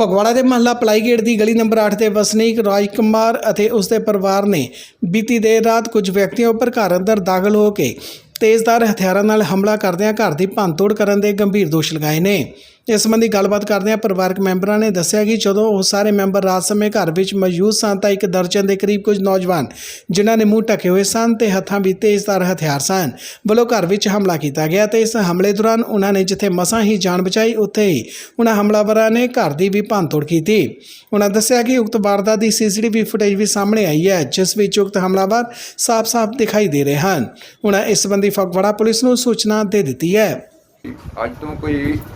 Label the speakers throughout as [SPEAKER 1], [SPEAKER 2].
[SPEAKER 1] ਫਗਵਾੜਾ ਦੇ ਮਹੱਲਾ ਪਲਾਈਗੇਟ ਦੀ ਗਲੀ ਨੰਬਰ 8 ਦੇ ਵਸਨੀਕ ਰਾਜ ਕੁਮਾਰ ਅਤੇ ਉਸ ਦੇ ਪਰਿਵਾਰ ਨੇ ਬੀਤੀ ਦੇਰ ਰਾਤ ਕੁਝ ਵਿਅਕਤੀਆਂ ਉੱਪਰ ਘਰ ਅੰਦਰ ਦਾਖਲ ਹੋ ਕੇ ਤੇਜ਼ਧਾਰ ਹਥਿਆਰਾਂ ਨਾਲ ਹਮਲਾ ਕਰਦਿਆਂ ਘਰ ਦੀ ਭੰਨਤੋੜ ਕਰਨ ਦੇ ਗੰਭੀਰ ਦੋਸ਼ ਲਗਾਏ ਨੇ। ਇਸ ਸੰਬੰਧੀ ਗੱਲਬਾਤ ਕਰਦਿਆਂ ਪਰਿਵਾਰਕ ਮੈਂਬਰਾਂ ਨੇ ਦੱਸਿਆ ਕਿ ਜਦੋਂ ਉਹ ਸਾਰੇ ਮੈਂਬਰ ਰਾਤ ਸਮੇਂ ਘਰ ਵਿੱਚ ਮੌਜੂਦ ਸਨ ਤਾਂ ਇੱਕ ਦਰਜਨ ਦੇ ਕਰੀਬ ਕੁਝ ਨੌਜਵਾਨ ਜਿਨ੍ਹਾਂ ਨੇ ਮੂੰਹ ਢਕੇ ਹੋਏ ਸਨ ਤੇ ਹੱਥਾਂ ਵਿੱਚ ਤੇਜ਼ਧਾਰ ਹਥਿਆਰ ਸਨ ਵੱਲੋਂ ਘਰ ਵਿੱਚ ਹਮਲਾ ਕੀਤਾ ਗਿਆ ਤੇ ਇਸ ਹਮਲੇ ਦੌਰਾਨ ਉਹਨਾਂ ਨੇ ਜਿੱਥੇ ਮਸਾਂ ਹੀ ਜਾਨ ਬਚਾਈ ਉੱਥੇ ਹੀ ਉਹਨਾਂ ਹਮਲਾਵਰਾਂ ਨੇ ਘਰ ਦੀ ਵੀ ਭੰਨਤੋੜ ਕੀਤੀ। ਉਹਨਾਂ ਦੱਸਿਆ ਕਿ ਉਕਤ ਵਾਰਦਾਤ ਦੀ ਸੀਸੀਟੀਵੀ ਫੁਟੇਜ ਵੀ ਸਾਹਮਣੇ ਆਈ ਹੈ ਜਿਸ ਵਿੱਚ ਉਕਤ ਹਮਲਾਵਰ ਸਾਫ਼-ਸਾਫ਼ ਦਿਖਾਈ ਦੇ ਰਹੇ ਹਨ। ਉਹਨਾਂ ਇਸ ਸੰਬੰਧੀ ਫਗਵਾੜਾ ਪੁਲਿਸ ਨੂੰ ਸੂਚਨਾ ਦੇ ਦਿੱਤੀ ਹੈ।
[SPEAKER 2] ਅੱਜ ਤੋਂ ਕੋਈ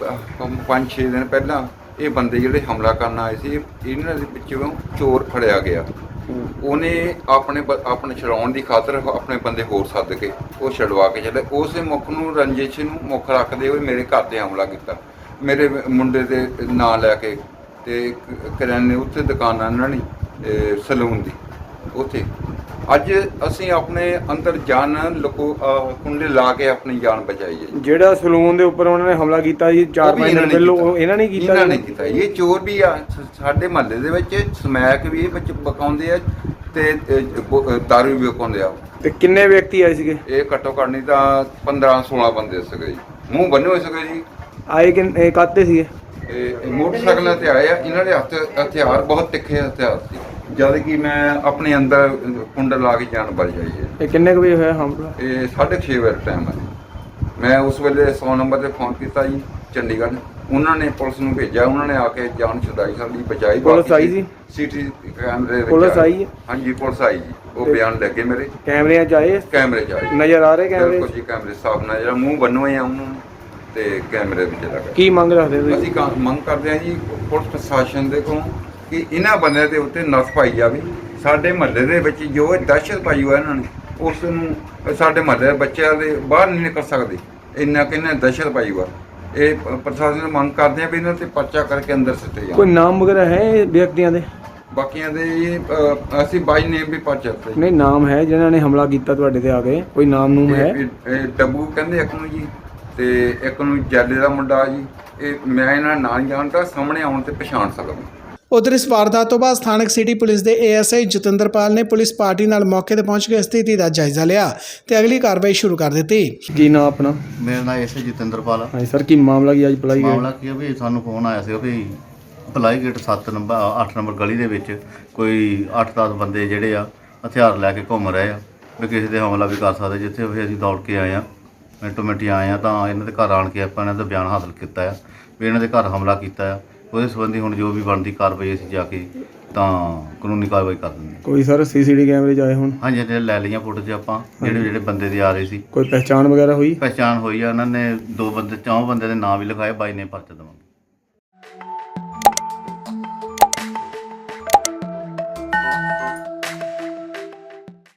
[SPEAKER 2] 5-6 ਦਿਨ ਪਹਿਲਾਂ ਇਹ ਬੰਦੇ ਜਿਹੜੇ ਹਮਲਾ ਕਰਨ ਆਏ ਸੀ ਇਹਨਾਂ ਦੇ ਵਿੱਚੋਂ ਚੋਰ ਫੜਿਆ ਗਿਆ। ਉਹਨੇ ਆਪਣੇ ਛਡਾਉਣ ਦੀ ਖਾਤਰ ਆਪਣੇ ਬੰਦੇ ਹੋਰ ਸੱਦ ਕੇ ਉਹ ਛਡਵਾ ਕੇ ਚਲੇ। ਉਸੇ ਮੁੱਖ ਨੂੰ ਰੰਜਿਸ਼ ਨੂੰ ਮੁੱਖ ਰੱਖਦੇ ਹੋਏ ਮੇਰੇ ਘਰ ਤੇ ਹਮਲਾ ਕੀਤਾ। ਮੇਰੇ ਮੁੰਡੇ ਦੇ ਨਾਂ ਲੈ ਕੇ ਤੇ ਕਰਿਆਨੇ ਉੱਥੇ ਦੁਕਾਨਾਂ ਇਹਨਾਂ ਨੇ ਸਲੂਨ ਦੀ ਉੱਥੇ ਅੱਜ ਅਸੀਂ ਆਪਣੇ ਅੰਦਰ ਜਾਨ ਕੁੰਡੇ ਲਾ ਕੇ ਆਪਣੀ ਜਾਨ ਬਚਾਈ ਹੈ।
[SPEAKER 3] ਜਿਹੜਾ ਸਲੂਨ ਦੇ ਉੱਪਰ ਉਹਨਾਂ ਨੇ ਹਮਲਾ ਕੀਤਾ ਜੀ 4-5 ਦਿਨ ਪਹਿਲਾਂ ਇਹਨਾਂ ਨੇ ਕੀਤਾ।
[SPEAKER 2] ਇਹਨਾਂ ਨੇ ਕੀਤਾ। ਇਹ ਚੋਰ ਵੀ ਆ ਸਾਡੇ ਮਹੱਲੇ ਦੇ ਵਿੱਚ ਸਮੈਕ ਵੀ ਵਿੱਚ ਬਕਾਉਂਦੇ ਆ ਤੇ ਦਾਰੂ ਵੀ ਬਕਾਉਂਦੇ ਆ।
[SPEAKER 3] ਤੇ ਕਿੰਨੇ ਵਿਅਕਤੀ ਆਏ ਸੀਗੇ?
[SPEAKER 2] ਇਹ ਘੱਟੋ ਘੱਟ ਨਹੀਂ ਤਾਂ 15-16 ਬੰਦੇ ਸੀਗੇ ਜੀ। ਮੂੰਹ ਬੰਨੇ ਹੋਏ ਸੀਗੇ ਜੀ।
[SPEAKER 3] ਆਏ ਕਿ ਕਾਤੇ ਸੀਗੇ?
[SPEAKER 2] ਇਹ ਮੋਟਰਸਾਈਕਲਾਂ ਤੇ ਆਏ ਆ। ਇਹਨਾਂ ਦੇ ਹਥਿਆਰ ਬਹੁਤ ਤਿੱਖੇ ਹਥਿਆਰ ਸੀ। ਜਦ ਕਿ ਮੈਂ ਆਪਣੇ ਅੰਦਰ ਕੁੰਡਾ ਲਾ ਕੇ ਜਾਨ ਬਚ ਜਾਈ ਹੈ।
[SPEAKER 3] ਇਹ ਕਿੰਨੇ ਕੁ ਵਜੇ ਹੋਇਆ ਹਮਲਾ?
[SPEAKER 2] ਇਹ 6:30 ਵਜੇ ਟਾਈਮ ਹੈ। ਮੈਂ ਉਸ ਵੇਲੇ 100 ਨੰਬਰ ਤੇ ਫੋਨ ਕੀਤਾ ਜੀ ਚੰਡੀਗੜ੍ਹ। ਉਹਨਾਂ ਨੇ ਪੁਲਿਸ ਨੂੰ ਭੇਜਿਆ। ਉਹਨਾਂ ਨੇ ਆ ਕੇ ਜਾਨ ਛੁਡਾਈ, ਸਾਡੀ ਬਚਾਈ।
[SPEAKER 3] ਪੁਲਿਸ ਆਈ ਸੀ?
[SPEAKER 2] ਸੀਟੀ ਕੈਮਰੇ ਵਿੱਚ
[SPEAKER 3] ਪੁਲਿਸ ਆਈ ਹੈ?
[SPEAKER 2] ਹਾਂਜੀ ਪੁਲਿਸ ਆਈ ਜੀ। ਉਹ ਬਿਆਨ ਲੱਗੇ ਮੇਰੇ।
[SPEAKER 3] ਕੈਮਰਿਆਂ 'ਚ ਆਏ?
[SPEAKER 2] ਕੈਮਰੇ 'ਚ ਆਏ।
[SPEAKER 3] ਨਜ਼ਰ ਆ ਰਹੇ ਕੈਮਰੇ?
[SPEAKER 2] ਬਿਲਕੁਲ ਜੀ ਕੈਮਰੇ ਸਾਫ਼ ਨਜ਼ਰ। ਮੂੰਹ ਬੰਨੋਏ ਆ ਉਹਨਾਂ ਨੂੰ ਤੇ ਕੈਮਰੇ ਵਿੱਚ ਲੱਗਾ।
[SPEAKER 3] ਕੀ ਮੰਗ ਰੱਖਦੇ ਤੁਸੀਂ?
[SPEAKER 2] ਅਸੀਂ ਮੰਗ ਕਰਦੇ ਹਾਂ ਜੀ ਪੁਲਿਸ ਪ੍ਰਸ਼ਾਸਨ ਦੇ ਕੋਲੋਂ ਕਿ ਇਹਨਾਂ ਬੰਦਿਆਂ ਦੇ ਉੱਤੇ ਨੱਥ ਪਾਈ ਜਾਵੇ। ਸਾਡੇ ਮਹੱਲੇ ਦੇ ਵਿੱਚ ਜੋ ਦਹਿਸ਼ਤ ਪਾਈ ਹੋਇਆ ਇਹਨਾਂ ਨੇ ਉਸ ਨੂੰ ਸਾਡੇ ਮਹੱਲੇ ਦੇ ਬੱਚਿਆਂ ਦੇ ਬਾਹਰ ਨਹੀਂ ਨਿਕਲ ਸਕਦੇ। ਇੰਨਾ ਕਿੰਨਾ ਦਹਿਸ਼ਤ ਪਾਈ ਹੋਇਆ। ਇਹ ਪ੍ਰਸ਼ਾਸਨ ਨੂੰ ਮੰਗ ਕਰਦੇ ਆ ਵੀ ਇਹਨਾਂ ਤੇ ਪਰਚਾ ਕਰਕੇ ਅੰਦਰ ਸਿੱਟੇ ਜਾਣ।
[SPEAKER 3] ਕੋਈ ਨਾਮ ਵਗੈਰਾ ਹੈ ਵਿਅਕਤੀਆਂ ਦੇ?
[SPEAKER 2] ਬਾਕੀਆਂ ਦੇ ਅਸੀਂ ਬਾਈ ਨੇਮ ਵੀ ਪਰਚਾ ਦਿੱਤੇ।
[SPEAKER 3] ਨਹੀਂ ਨਾਮ ਹੈ ਜਿਨ੍ਹਾਂ ਨੇ ਹਮਲਾ ਕੀਤਾ ਤੁਹਾਡੇ ਤੇ ਆ ਕੇ? ਕੋਈ ਨਾਮ ਨੂਮ ਹੈ?
[SPEAKER 2] ਇਹ ਡੱਬੂ ਕਹਿੰਦੇ ਇੱਕ ਨੂੰ ਜੀ ਤੇ ਇੱਕ ਨੂੰ ਜੈਲੇ ਦਾ ਮੁੰਡਾ ਜੀ। ਇਹ ਮੈਂ ਇਹਨਾਂ ਨਾਂ ਨਹੀਂ ਜਾਣਦਾ, ਸਾਹਮਣੇ ਆਉਣ ਤੇ ਪਛਾਣ ਸਕਦਾ।
[SPEAKER 1] ਉਧਰ ਇਸ ਵਾਰਦਾਤ ਤੋਂ ਬਾਅਦ ਸਥਾਨਕ ਸਿਟੀ ਪੁਲਿਸ ਦੇ ਏਐਸਆਈ ਜਤਿੰਦਰਪਾਲ ਨੇ ਪੁਲਿਸ ਪਾਰਟੀ ਨਾਲ ਮੌਕੇ ਤੇ ਪਹੁੰਚ ਕੇ ਸਥਿਤੀ ਦਾ ਜਾਇਜ਼ਾ ਲਿਆ ਤੇ ਅਗਲੀ ਕਾਰਵਾਈ ਸ਼ੁਰੂ ਕਰ ਦਿੱਤੀ।
[SPEAKER 3] ਕੀ ਨਾਮ ਆਪਣਾ?
[SPEAKER 4] ਮੇਰਾ ਨਾਮ ਐਸਆਈ ਜਤਿੰਦਰਪਾਲ ਆ।
[SPEAKER 3] ਹਾਂਜੀ ਸਰ, ਕੀ ਮਾਮਲਾ ਕੀ ਅੱਜ ਪਲਾਈ
[SPEAKER 4] ਮਾਮਲਾ ਕੀ ਆ ਵੀ ਸਾਨੂੰ ਫੋਨ ਆਇਆ ਸੀ ਵੀ ਪਲਾਈਗੇਟ 8 ਨੰਬਰ ਗਲੀ ਦੇ ਵਿੱਚ ਕੋਈ 8-10 ਬੰਦੇ ਜਿਹੜੇ ਆ ਹਥਿਆਰ ਲੈ ਕੇ ਘੁੰਮ ਰਹੇ ਆ ਵੀ ਕਿਸੇ ਤੇ ਹਮਲਾ ਵੀ ਕਰ ਸਕਦੇ। ਜਿੱਥੇ ਵੀ ਅਸੀਂ ਦੌੜ ਕੇ ਆਏ ਆ, ਮਿੰਟੋ ਮਿੰਟੀ ਆਏ ਆ ਤਾਂ ਇਹਨਾਂ ਦੇ ਘਰ ਆਣ ਕੇ ਆਪਾਂ ਇਹਨਾਂ ਦਾ ਬਿਆਨ ਹਾਸਲ ਕੀਤਾ ਆ ਵੀ ਇਹਨਾਂ ਦੇ ਘਰ ਹਮਲਾ ਕੀਤਾ ਆ। ਉਹਦੇ ਸੰਬੰਧੀ ਹੁਣ ਜੋ ਵੀ ਬਣਦੀ ਕਾਰਵਾਈ ਅਸੀਂ ਜਾ ਕੇ ਤਾਂ ਕਾਨੂੰਨੀ ਕਾਰਵਾਈ ਕਰ ਦਿੰਦੇ।
[SPEAKER 3] ਕੋਈ ਸਰ ਸੀਸੀਟੀਵੀ ਕੈਮਰੇ 'ਚ ਆਏ ਹੁਣ? ਹਾਂਜੀ
[SPEAKER 4] ਜਿਹੜੇ ਲੈ ਲਈਆਂ ਫੁਟੇਜ ਆਪਾਂ ਜਿਹੜੇ ਬੰਦੇ ਦੇ ਆ ਰਹੇ ਸੀ।
[SPEAKER 3] ਕੋਈ ਪਹਿਚਾਣ ਵਗੈਰਾ ਹੋਈ?
[SPEAKER 4] ਪਹਿਚਾਣ ਹੋਈ ਆ। ਉਹਨਾਂ ਨੇ 4 ਬੰਦੇ ਦੇ ਨਾਂ ਵੀ ਲਿਖਾਏ। ਬਾਈ ਨੇ ਪਰਚਾ ਦੇਵਾਂਗੇ।